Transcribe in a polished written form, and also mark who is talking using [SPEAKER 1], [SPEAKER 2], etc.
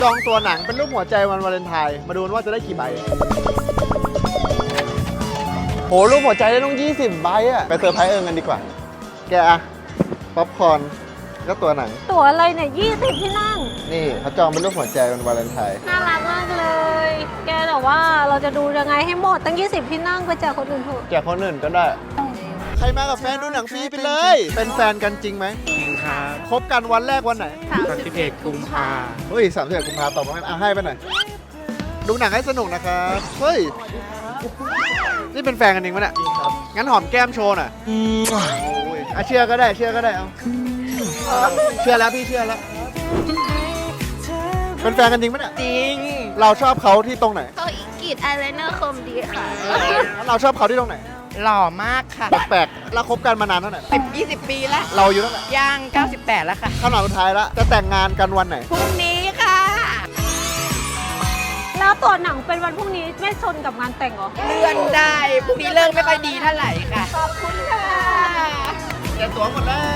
[SPEAKER 1] จองตัวหนังเป็นรูปหัวใจวันวาเลนไทน์มาดูว่าจะได้กี่ใบโหรูปหัวใจได้ต้อง20 ใบอะไปเซอร์ไพรส์กันดีกว่าแกอะป๊อปคอร์นก็ตัวหนัง
[SPEAKER 2] ตั๋วอะไรเนี่ย20 ที่นั่ง
[SPEAKER 1] นี่เขาจองเป็นรูปหัวใจวันวาเลนไทน์
[SPEAKER 2] น่ารักมากเลย แกแต่ว่าเราจะดูยังไงให้หมดตั้ง20 ที่นั่งไปแจกคนอื่นเถอะ
[SPEAKER 1] แจกคนอื่นก็ได้ ใครมากับแฟนดูหนังฟรีไปเลย เป็นแฟนกันจริงไหม
[SPEAKER 3] จริงครับ
[SPEAKER 1] คบกันวันแรกวันไหน
[SPEAKER 3] 31 กุมภา
[SPEAKER 1] เฮ้ย31 กุมภาตอบมาให้ไปหน่อยดูหนังให้สนุกนะครับเฮ้ยนี่เป็นแฟนกันจริงไหมเนี่ยงั้นหอมแก้มโชว์หน่อยโอ้ยเชื่อก็ได้เชื่อก็ได้เอาเชื่อแล้วพี่เชื่อแล้วเป็นแฟนกันจริงไหมเนี่ย
[SPEAKER 4] จริง
[SPEAKER 1] เราชอบเขาที่ตรงไหน
[SPEAKER 4] เขากรีดอายไลเนอร์คมดีค่ะ
[SPEAKER 1] แล้วเราชอบเขาที่ตรงไหน
[SPEAKER 4] หล่อมากค่ะ
[SPEAKER 1] แปลกๆแล้วคบกันมานานเท่าไหร่
[SPEAKER 4] 10-20 ปีแล้ว
[SPEAKER 1] เราอายู่เท่าไหร่
[SPEAKER 4] ย่าง 98 แล้วค่ะ
[SPEAKER 1] คำถามสุดท้ายละจะแต่งงานกันวันไหน
[SPEAKER 4] พรุ่งนี้ค่ะ
[SPEAKER 2] แล้วตั๋วหนังเป็นวันพรุ่งนี้ไม่ชนกับงานแต่งเหรอ
[SPEAKER 4] เลื่อนได้ พรุ่งนี้เลิกไม่ค่อยดีเท่าไหร่ค่ะ
[SPEAKER 2] ขอบคุณค่ะ
[SPEAKER 1] แจกตั๋วหมดแล้ว